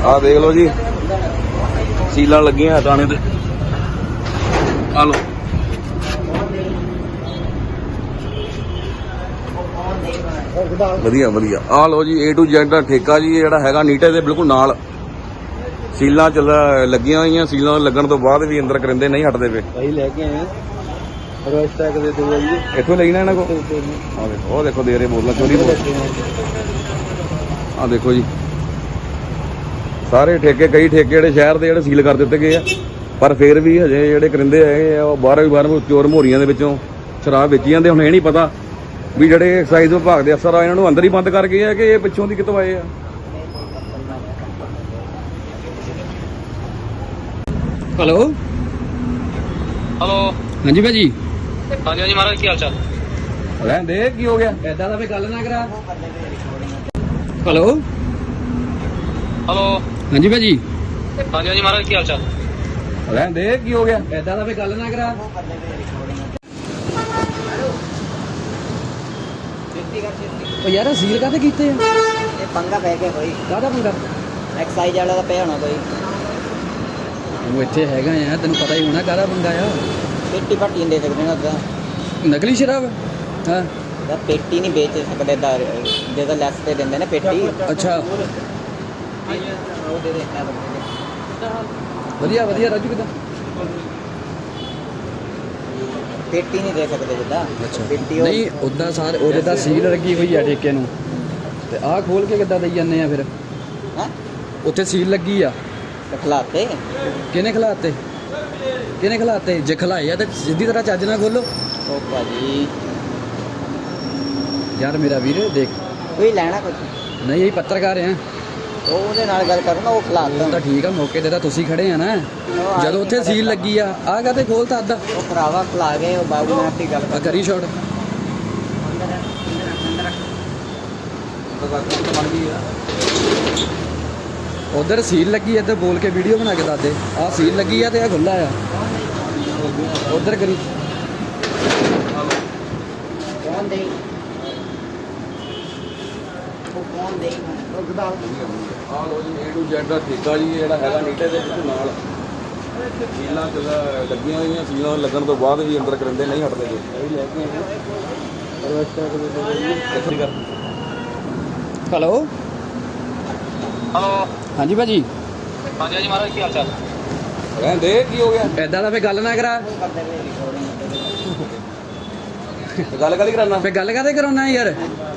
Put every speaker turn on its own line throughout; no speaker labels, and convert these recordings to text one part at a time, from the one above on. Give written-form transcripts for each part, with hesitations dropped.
ਆ ਦੇਖ ਲਓ ਜੀ, ਸੀਲਾਂ ਲੱਗੀਆਂ ਹਟਾਣੇ ਤੇ। ਆ ਲਓ ਵਧੀਆ ਵਧੀਆ। ਆ ਲਓ ਜੀ A to Z ਦਾ ਠੇਕਾ ਜੀ, ਜਿਹੜਾ ਹੈਗਾ ਨੀਟੇ ਦੇ ਬਿਲਕੁਲ ਨਾਲ। ਸੀਲਾਂ ਚੱਲ ਲੱਗੀਆਂ ਹੋਈਆਂ, ਸੀਲਾਂ ਲੱਗਣ ਤੋਂ ਬਾਅਦ ਵੀ ਅੰਦਰ ਕਰਿੰਦੇ ਨਹੀਂ ਹਟਦੇ ਪਏ।
ਭਾਈ ਲੈ ਕੇ ਆਏ ਰੋਜ਼ ਤੱਕ ਦੇ ਦਿਓ ਜੀ,
ਇੱਥੋਂ ਲੈਣਾ ਇਹਨਾਂ ਕੋਲ। ਆ ਦੇਖੋ, ਉਹ ਦੇਖੋ ਦੇ ਰਹੇ ਬੋਤਲਾਂ, ਚੋਰੀ ਬੋਤਲ। ਆ ਦੇਖੋ ਜੀ, ਸਾਰੇ ਠੇਕੇ, ਕਈ ਠੇਕੇ ਜਿਹੜੇ ਸ਼ਹਿਰ ਦੇ ਜਿਹੜੇ ਸੀਲ ਕਰ ਦਿੱਤੇ ਗਏ ਆ, ਪਰ ਫਿਰ ਵੀ ਹਜੇ ਜਿਹੜੇ ਕਰਿੰਦੇ ਹੈਗੇ ਆ ਉਹ ਬਾਹਰੋਂ ਚੋਰ ਮੋਰੀਆਂ ਦੇ ਵਿੱਚੋਂ ਸ਼ਰਾਬ ਵੇਚੀ ਜਾਂਦੇ। ਹੁਣ ਇਹ ਨਹੀਂ ਪਤਾ ਵੀ ਜਿਹੜੇ ਐਕਸਾਈਜ਼ ਵਿਭਾਗ ਦੇ ਅਫਸਰ ਆ ਇਹਨਾਂ ਨੂੰ ਅੰਦਰ ਹੀ ਬੰਦ ਕਰ ਗਏ ਆ ਕਿ ਇਹ ਪਿੱਛੋਂ ਦੀ ਕਿਤੋਂ ਆਏ ਆ।
ਹੈਲੋ
ਹੈਲੋ,
ਹਾਂਜੀ ਭਾਜੀ।
ਹਾਂਜੀ ਹਾਂਜੀ ਮਹਾਰਾਜ, ਕੀ ਹਾਲ ਚਾਲ?
ਰਹਿਣ ਦੇ, ਕੀ ਹੋ ਗਿਆ?
ਐਦਾਂ ਦਾ ਫੇ ਗੱਲ ਨਾ ਕਰਾ। ਹੈਲੋ
ਹੈਲੋ,
ਹਾਂਜੀ ਭਾਜੀ।
ਹਾਂਜੀ ਹਾਂਜੀ ਮਹਾਰਾਜ, ਕੀ ਹਾਲ ਚਾਲ?
ਰਹਿਣ ਦੇ, ਕੀ ਹੋ ਗਿਆ?
ਐਦਾਂ ਦਾ ਫੇ ਗੱਲ ਨਾ ਕਰਾ। ਉਹ ਯਾਰ ਸੀਲ ਕਾਹਦੇ ਕੀਤੇ ਆ?
ਇਹ ਪੰਗਾ ਪੈ ਗਿਆ ਕੋਈ,
ਕਾਹਦਾ ਪੰਗਾ?
ਐਕਸਾਈਜ਼ ਵਾਲਾ ਦਾ ਪਿਆ ਹੋਣਾ ਕੋਈ।
ਉਹ ਇੱਥੇ ਹੈਗਾ ਆ, ਤੈਨੂੰ ਪਤਾ ਹੀ ਹੋਣਾ ਕਾਹਦਾ ਪੰਗਾ ਆ।
ਪੇਟੀ ਭਾਟੀ ਦੇ ਸਕਦੇ ਨਾ ਉਹਦਾ,
ਨਕਲੀ ਸ਼ਰਾਬ? ਹਾਂ
ਯਾਰ ਪੇਟੀ ਨਹੀਂ ਵੇਚ ਸਕਦੇ ਜਿਹਦਾ ਲੈਸ ਤੇ ਦਿੰਦੇ ਨੇ ਪੇਟੀ।
ਅੱਛਾ,
ਉਹ ਦੇ ਦੇ ਇਹ ਬੰਦੇ ਦੇ।
ਵਧੀਆ ਵਧੀਆ। ਰਾਜੂ ਕਿੱਦਾਂ?
ਪੇਟੀ ਨਹੀਂ ਦੇ ਸਕਦੇ ਜਿੱਦਾਂ ਪੇਟੀ।
ਨਹੀਂ ਉਦਾਂ ਸਾਰੇ ਉਹਦੇ ਤਾਂ ਸੀਲ ਲੱਗੀ ਹੋਈ ਆ ਠੇਕੇ ਨੂੰ, ਤੇ ਆਹ ਖੋਲ ਕੇ ਕਿੱਦਾਂ ਦੇਈ ਜਾਂਦੇ ਆ ਫਿਰ?
ਹਾਂ
ਉੱਥੇ ਸੀਲ ਲੱਗੀ ਆ।
ਖਲਾਤੇ
ਕਿਹਨੇ ਖਲਾਤੇ? ਕਿਹਨੇ ਖਲਾਤੇ? ਜੇ ਖਲਾਏ ਆ ਤੇ ਸਿੱਧੀ ਤਰ੍ਹਾਂ ਚੱਜ ਨਾਲ ਖੋਲੋ।
ਉਹ ਭਾਜੀ
ਯਾਰ ਮੇਰਾ ਵੀਰ ਦੇਖ,
ਕੋਈ ਲੈਣਾ ਕੁਝ
ਨਹੀਂ ਇਹ ਪੱਤਰਕਾਰ ਆ।
ਉਹ ਉਹਦੇ ਨਾਲ ਗੱਲ ਕਰੋ ਨਾ, ਉਹ
ਉਹ
ਖਲਾਤਾ।
ਤਾਂ ਠੀਕ ਆ, ਮੌਕੇ ਤੇ ਤਾਂ ਤੁਸੀਂ ਖੜੇ ਆ ਨਾ, ਜਦੋਂ ਉੱਥੇ ਸੀਲ ਲੱਗੀ ਆ। ਆਹ ਕਾਹਤੇ ਖੋਲਤਾ ਅੱਧਾ?
ਉਹ ਭਰਾਵਾ ਖਲਾ ਗਏ, ਉਹ ਬਾਬੂ ਨਾਲ ਆਪਣੀ ਗੱਲ
ਆ ਕਰੀ ਸ਼ਾਟ। ਉਧਰ ਸੀਲ ਲੱਗੀ ਆ, ਇੱਧਰ ਬੋਲ ਕੇ ਵੀਡੀਓ ਬਣਾ ਕੇ ਦੱਸ ਦੇ। ਆਹ ਸੀਲ ਲੱਗੀ ਆ ਤੇ ਆਹ ਖੁੱਲਾ ਆ। ਉਧਰ ਕਰੀ।
ਕੌਣ ਦੇ ਉਹ ਕੌਣ ਦੇ ਉਹ ਗਦਾ।
ਆ ਲਓ ਜੀ A to Z ਦਾ ਠੇਕਾ ਜੀ, ਜਿਹੜਾ ਹੈਗਾ ਨੀਟੇ ਦੇ ਬਿਲਕੁਲ ਨਾਲ। ਸੀਲਾਂ ਚੱਲ ਲੱਗੀਆਂ ਹੋਈਆਂ, ਸੀਲਾਂ ਲੱਗਣ ਤੋਂ ਬਾਅਦ ਵੀ ਅੰਦਰ ਕਰਿੰਦੇ ਨਹੀਂ ਹਟਦੇ ਪਏ।
ਭਾਈ ਲੈ ਕੇ ਆਏ ਰੋਜ਼ ਤੱਕ ਦੇ ਦਿਓ ਜੀ।
ਇੱਥੋਂ ਦੀ ਕਰ।
ਹੈਲੋ
ਹੈਲੋ,
ਹਾਂਜੀ ਭਾਜੀ।
ਹਾਂਜੀ ਹਾਂਜੀ ਮਹਾਰਾਜ, ਕੀ ਹਾਲ ਚਾਲ?
ਰਹਿਣ ਦੇ, ਕੀ ਹੋ ਗਿਆ?
ਐਦਾਂ ਦਾ ਫੇ ਗੱਲ ਨਾ ਕਰਾ।
ਗੱਲ ਕਾਹਦੀ ਕਰਾਨਾ?
ਫੇ ਗੱਲ ਕਾਹਦੇ ਕਰਾਉਣਾ ਯਾਰ?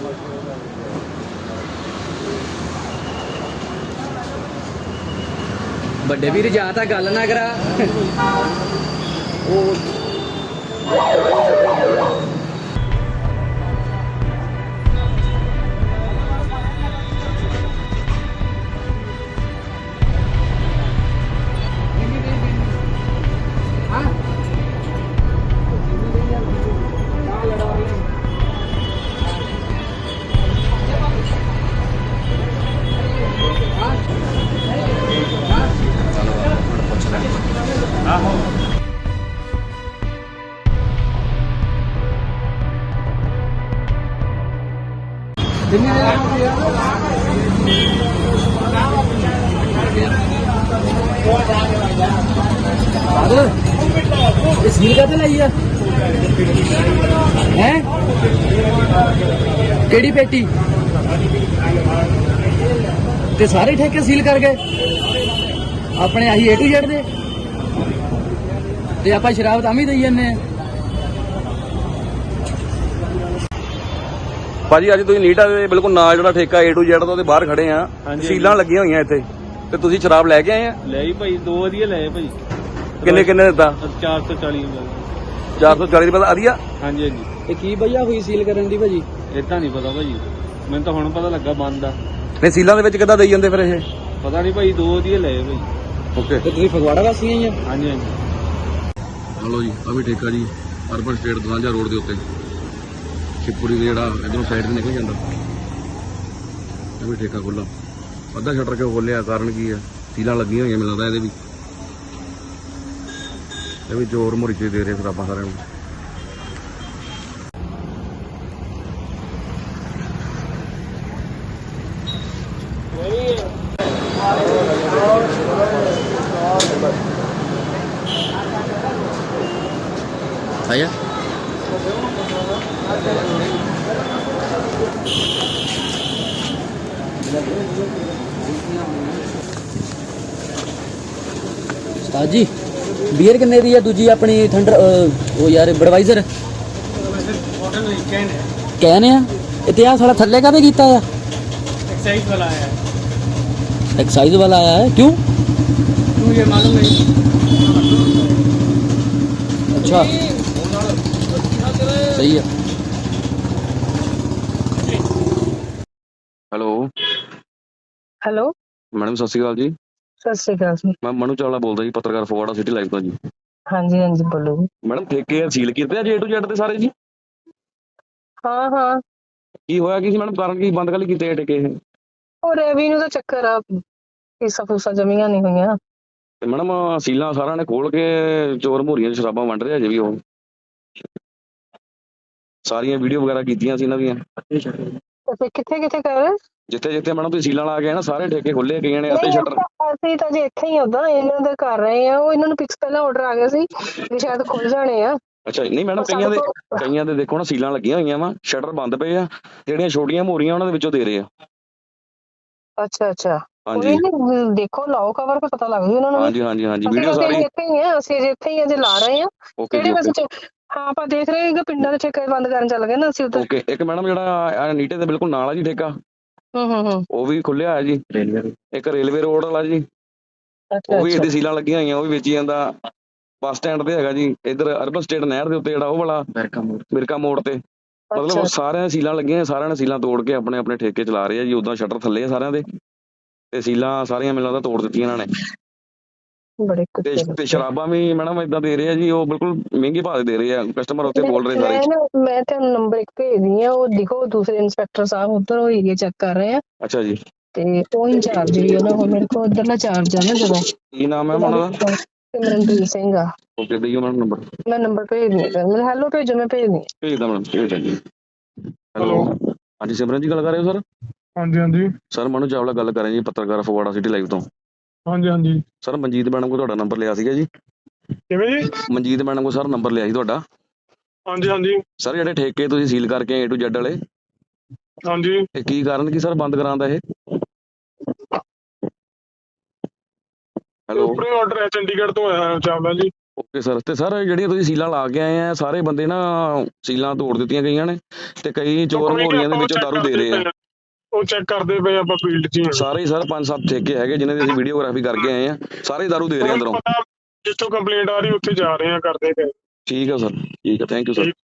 ਵੱਡੇ ਵੀਰ ਜਾਂ ਤਾਂ ਗੱਲ ਨਾ ਕਰਾ। ਉਹ ਇਹ ਸੀਲ ਕਾਹਤੇ ਲਾਈ ਆ? ਹੈ ਕਿਹੜੀ ਪੇਟੀ? ਤੇ ਸਾਰੇ ਠੇਕੇ ਸੀਲ ਕਰ ਗਏ ਆਪਣੇ। ਆਹੀ A to Z ਦੇ, ਤੇ ਆਪਾਂ ਸ਼ਰਾਬ ਤਾਂ ਵੀ ਦੇਈ ਜਾਂਦੇ ਆ।
ਭਾਜੀ ਅੱਜ ਤੁਸੀਂ ਨੀਟਾ ਦੇ ਬਿਲਕੁਲ ਨਾਲ ਜਿਹੜਾ ਠੇਕਾ A to Z ਦਾ ਉਹਦੇ ਬਾਹਰ ਖੜੇ ਆ। ਸੀਲਾਂ ਲੱਗੀਆਂ ਹੋਈਆਂ ਇੱਥੇ, ਤੇ ਤੁਸੀਂ ਸ਼ਰਾਬ ਲੈ ਕੇ ਆਏ ਆ?
ਲੈ ਜੀ ਭਾਈ, 2 ਵਧੀਆ ਲਏ ਭਾਈ।
ਕਿੰਨੇ ਕਿੰਨੇ ਦਿੱਤਾ?
440
440 ਰੁਪਏ ਦਾ ਵਧੀਆ।
ਹਾਂਜੀ ਹਾਂਜੀ।
ਇਹ ਕੀ ਭਈਆ ਹੋਈ ਸੀਲ ਕਰਨ ਦੀ ਭਾਜੀ?
ਇਦਾਂ ਨਹੀਂ ਪਤਾ ਭਾਜੀ, ਮੈਨੂੰ ਤਾਂ ਹੁਣ ਪਤਾ ਲੱਗਾ ਬੰਦ ਆ।
ਨਹੀਂ ਸੀਲਾਂ ਦੇ ਵਿੱਚ ਕਿੱਦਾਂ ਦੇਈ ਜਾਂਦੇ ਫਿਰ ਇਹ?
ਪਤਾ ਨਹੀਂ ਭਾਈ, 2 ਵਧੀਆ ਲਏ ਭਾਈ।
ਓਕੇ,
ਤੇ ਤੁਸੀਂ ਫਗਵਾੜਾ ਵਾਸੀ ਆਈ ਆ?
ਹਾਂਜੀ ਹਾਂਜੀ।
ਹਲੋ ਜੀ, ਆ ਵੀ ਠੇਕਾ ਜੀ ਅਰਬਨ ਸਟੇਟ ਦਵਾਂਜਾ ਰੋਡ ਦੇ ਉੱਤੇ, ਸ਼ਿਵਪੁਰੀ ਦੇ ਜਿਹੜਾ ਇਧਰੋਂ ਸਾਈਡ ਤੇ ਨਿਕਲ ਜਾਂਦਾ। ਇਹ ਵੀ ਠੇਕਾ ਖੁੱਲਾ, ਅੱਧਾ ਸ਼ਟਰ ਕਿਉਂ ਖੋਲਿਆ? ਕਾਰਨ ਕੀ ਆ? ਸੀਲਾਂ ਲੱਗੀਆਂ ਹੋਈਆਂ ਮੈਨੂੰ ਲੱਗਦਾ ਇਹਦੇ ਵੀ। ਇਹ ਵੀ ਜ਼ੋਰ ਮੁਰਚੇ ਦੇ ਰਹੇ ਫਿਰ ਆਪਾਂ ਸਾਰਿਆਂ ਨੂੰ।
ਉਸਤਾਦ ਜੀ ਬੀਅਰ ਕਿੰਨੇ ਦੀ ਆ ਦੂਜੀ ਆਪਣੀ ਥੰਡਰ ਉਹ ਯਾਰ ਬਡਵਾਈਜ਼ਰ ਕੈਨ ਆ ਇਤਿਹਾਸ ਸਾਲਾ ਥੱਲੇ ਕਾਹਦੇ ਕੀਤਾ ਆ
एक्साइज वाला आया है
एक्साइज वाला आया है क्यों
मुझे मालूम नहीं
अच्छा सही है
ਹੈਲੋ
ਹੈਲੋ
ਮੈਡਮ ਸਤਿ ਸ਼੍ਰੀ ਅਕਾਲ ਜੀ।
ਸਤਿ ਸ਼੍ਰੀ ਅਕਾਲ ਜੀ।
ਮੈਂ ਮਨੂ ਚਾਵਲਾ ਬੋਲਦਾ ਜੀ, ਪੱਤਰਕਾਰ ਫਗਵਾੜਾ ਸਿਟੀ ਲਾਈਵ ਤੋਂ ਜੀ।
ਹਾਂਜੀ ਹਾਂਜੀ ਬੋਲੋ ਜੀ।
ਮੈਡਮ ਠੇਕੇ ਸੀਲ ਕੀਤੇ ਆ ਜੇ ਟੂ ਜ਼ੈਡ ਤੇ ਸਾਰੇ ਜੀ?
ਹਾਂ ਹਾਂ
ਕੀ ਹੋਇਆ ਕੀ ਸੀ ਮੈਡਮ, ਕਾਰਨ ਕੀ ਬੰਦ ਕਾਹਲੀ ਕੀਤੇ ਇਹ ਠੇਕੇ ਇਹ?
ਉਹ ਰੈਵਨਿਊ ਦਾ ਚੱਕਰ ਆ, ਫੀਸਾਂ ਫੂਸਾਂ ਜਮੀਆਂ ਨਹੀਂ ਹੋਈਆਂ।
ਤੇ ਮੈਡਮ ਸੀਲਾਂ ਸਾਰਿਆਂ ਨੇ ਖੋਲ ਕੇ ਚੋਰ ਮੋਰੀਆਂ 'ਚ ਸ਼ਰਾਬਾਂ ਵੰਡ ਰਹੇ ਅਜੇ ਵੀ ਉਹ। ਸਾਰੀਆਂ ਵੀਡੀਓ ਵਗੈਰਾ ਕੀਤੀਆਂ ਸੀ ਇਹਨਾਂ ਦੀਆਂ।
ਤੇ ਫਿਰ ਕਿੱਥੇ ਕਿੱਥੇ ਕਰ ਰਹੇ?
ਜਿੱਥੇ ਜਿੱਥੇ ਮੈਡਮ ਤੁਸੀਂ ਸੀਲਾਂ ਲਾ ਕੇ ਨਾ ਸਾਰੇ ਠੇਕੇ ਖੁੱਲੇ ਗਏ ਨੇ ਅਤੇ
ਨਹੀਂ
ਸ਼ਟਰ।
ਅਸੀਂ ਤਾਂ ਜੇ ਇੱਥੇ ਹੀ ਉਦਾਂ ਇਹਨਾਂ ਦਾ ਕਰ ਰਹੇ ਆ, ਉਹ ਇਹਨਾਂ ਨੂੰ ਪਿਕਸ ਪਹਿਲਾਂ ਆਰਡਰ ਆ ਗਿਆ ਸੀ ਵੀ ਸ਼ਾਇਦ ਖੁੱਲ ਜਾਣੇ ਆ।
ਅੱਛਾ ਨਹੀਂ ਮੈਡਮ, ਕਈਆਂ ਦੇ ਦੇਖੋ ਨਾ ਸੀਲਾਂ ਲੱਗੀਆਂ ਹੋਈਆਂ ਵਾ, ਸ਼ਟਰ ਬੰਦ ਪਏ ਆ, ਜਿਹੜੀਆਂ ਛੋਟੀਆਂ ਮੋਰੀਆਂ ਉਹਨਾਂ ਦੇ ਵਿੱਚੋਂ ਦੇ ਰਹੇ ਆ।
ਅੱਛਾ ਅੱਛਾ
ਹਾਂਜੀ
ਦੇਖੋ ਲਾਓ ਕਵਰ ਤੇ ਪਤਾ ਲੱਗ ਜੂ ਉਹਨਾਂ ਨੂੰ।
ਹਾਂਜੀ ਹਾਂਜੀ ਹਾਂਜੀ
ਅਸੀਂ
ਵੀਡੀਓ
ਤਾਂ
ਸਾਰੀ
ਇੱਥੇ ਹੀ ਆ, ਅਸੀਂ ਅਜੇ ਇੱਥੇ ਹੀ ਅਜੇ ਲਾ ਰਹੇ ਆ।
ਓਕੇ ਜੀ
ਕਿਹੜੇ
ਓਕੇ
ਪਾਸੇ ਹਾਂ ਆਪਾਂ ਦੇਖ ਰਹੇ ਹਾਂ ਕਿ ਪਿੰਡਾਂ ਦੇ ਠੇਕੇ ਬੰਦ ਕਰਨ ਚੱਲ ਗਏ ਨਾ ਅਸੀਂ ਉੱਧਰ।
ਓਕੇ। ਇੱਕ ਮੈਡਮ ਜਿਹੜਾ ਨੀਟੇ ਦੇ ਬਿਲਕੁਲ ਨਾਲ ਆ ਜੀ ਠੇਕਾ,
ਹੂੰ
ਉਹ ਵੀ ਖੁੱਲਿਆ ਹੈ ਜੀ। ਇੱਕ ਰੇਲਵੇ ਰੋਡ ਵਾਲਾ ਜੀ,
ਅੱਛਾ
ਉਹ ਵੀ
ਅੱਛਾ
ਇਹਦੀ ਸੀਲਾਂ ਲੱਗੀਆਂ ਹੋਈਆਂ, ਉਹ ਵੀ ਵੇਚੀ ਜਾਂਦਾ। ਬੱਸ ਸਟੈਂਡ ਤੇ ਹੈਗਾ ਜੀ, ਇੱਧਰ ਅਰਬਨ ਸਟੇਟ ਨਹਿਰ ਦੇ ਉੱਤੇ ਜਿਹੜਾ ਉਹ ਵਾਲਾ ਮਿਰਕਾ ਮੋੜ ਤੇ, ਮਤਲਬ ਸਾਰਿਆਂ ਸੀਲਾਂ ਲੱਗੀਆਂ, ਸਾਰਿਆਂ ਨੇ ਸੀਲਾਂ ਤੋੜ ਕੇ ਆਪਣੇ ਆਪਣੇ ਠੇਕੇ ਚਲਾ ਰਹੇ ਆ ਜੀ। ਉਦਾਂ ਸ਼ਟਰ ਥੱਲੇ ਆ ਸਾਰਿਆਂ ਦੇ, ਤੇ ਸੀਲਾਂ ਸਾਰੀਆਂ ਮੈਨੂੰ ਲੱਗਦਾ ਤੋੜ ਦਿੱਤੀਆਂ ਇਹਨਾਂ ਨੇ।
ਬੜੇ
ਤੇ ਸ਼ਰਾਬਾਂ ਵੀ ਮੈਡਮ ਏਦਾਂ ਦੇ ਰਹੇ ਆ ਜੀ, ਉਹ ਬਿਲਕੁਲ ਮਹਿੰਗੀ ਭਾਅ ਦੇ ਰਹੇ ਆ, ਕਸਟਮਰ ਉੱਥੇ ਬੋਲ ਰਹੇ ਸਾਰੇ।
ਮੈਂ ਤੁਹਾਨੂੰ ਨੰਬਰ ਇੱਕ ਭੇਜਦੀ ਆ, ਉਹ ਲਿਖੋ ਦੂਸਰੇ ਇੰਸਪੈਕਟਰ ਸਾਹਿਬ ਉੱਧਰ ਉਹ ਏਰੀਆ ਚੈੱਕ ਕਰ ਰਹੇ ਆ
ਅੱਛਾ ਜੀ,
ਤੇ ਉਹ ਇੰਚਾਰਜ ਵੀ ਉਹਨਾਂ ਕੋਲ, ਮੇਰੇ ਕੋਲ ਉੱਧਰਲਾ ਚਾਰਜ ਆ ਨਾ ਜਦੋਂ।
ਕੀ ਨਾਮ ਹੈ ਉਹਨਾਂ ਦਾ?
ਸਿਮਰਨਪ੍ਰੀਤ ਸਿੰਘ ਆ।
ਓਕੇ, ਦਈਓ ਮੈਡਮ ਨੰਬਰ।
ਮੈਂ ਨੰਬਰ ਭੇਜਦੀ ਆ, ਮੈਨੂੰ ਹੈਲੋ ਭੇਜੋ, ਮੈਂ ਭੇਜਦੀ
ਭੇਜਦਾ ਮੈਡਮ, ਭੇਜਦਾ ਜੀ। ਹੈਲੋ ਹਾਂਜੀ ਸਿਮਰਨ ਜੀ ਗੱਲ ਕਰ ਰਹੇ ਹੋ ਸਰ?
ਹਾਂਜੀ ਹਾਂਜੀ
ਸਰ ਮਨੂ ਚਾਵਲਾ ਗੱਲ ਕਰ ਰਹੇ ਜੀ, ਪੱਤਰਕਾਰ ਫਗਵਾੜਾ ਸਿਟੀ ਲਾਈਵ ਤੋਂ।
ਹਾਂਜੀ ਹਾਂਜੀ
ਸਰ ਮਨਜੀਤ ਮੈਡਮ ਕੋਲ ਤੁਹਾਡਾ ਨੰਬਰ ਲਿਆ ਸੀਗਾ ਜੀ।
ਕਿਵੇਂ ਜੀ?
ਮਨਜੀਤ ਮੈਡਮ ਕੋਲ ਸਰ ਨੰਬਰ ਲਿਆ ਸੀ ਤੁਹਾਡਾ।
ਹਾਂਜੀ ਹਾਂਜੀ
ਸਰ ਜਿਹੜੇ ਠੇਕੇ ਤੁਸੀਂ ਸੀਲ ਕਰਕੇ A to Z ਵਾਲੇ,
ਹਾਂਜੀ
ਇਹ ਕੀ ਕਾਰਨ ਕੀ ਸਰ ਬੰਦ ਕਰਾਉਣ ਦਾ ਇਹ? ਹੈਲੋ
ਉੱਪਰੇ ਆਰਡਰ ਹੈ ਚੰਡੀਗੜ੍ਹ ਤੋਂ ਆਇਆ ਚਾਵਲਾ ਜੀ।
Okay sir. ਤੇ ਸਰ ਜਿਹੜੀਆਂ ਤੁਸੀਂ ਸੀਲਾਂ ਲਾ ਕੇ ਆਏ ਆ, ਸਾਰੇ ਬੰਦੇ ਨਾ ਸੀਲਾਂ ਤੋੜ ਦਿੱਤੀਆਂ ਗਈਆਂ ਨੇ, ਤੇ ਕਈ ਚੋਰ ਮੋਰੀਆਂ ਦੇ ਵਿੱਚੋਂ ਦਾਰੂ ਦੇ ਰਹੇ ਆ।
ਉਹ ਚੈੱਕ ਕਰਦੇ ਪਏ ਆਪਾਂ ਫੀਲਡ 'ਚ ਹੀ ਹਾਂ।
ਸਾਰੇ ਸਰ 5-7 ਠੇਕੇ ਹੈਗੇ ਜਿਨ੍ਹਾਂ ਦੀ ਅਸੀਂ ਵੀਡੀਓਗ੍ਰਾਫੀ ਕਰਕੇ ਆਏ ਆ, ਸਾਰੇ ਦਾਰੂ ਦੇ ਰਹੇ ਅੰਦਰੋਂ।
ਜਿੱਥੋਂ ਕੰਪਲੇਂਟ ਆ ਰਹੀ ਉੱਥੇ ਜਾ ਰਹੇ ਆ, ਕਰਦੇ ਪਏ।
ਠੀਕ ਆ ਸਰ, ਠੀਕ ਆ, ਥੈਂਕ ਯੂ ਸਰ।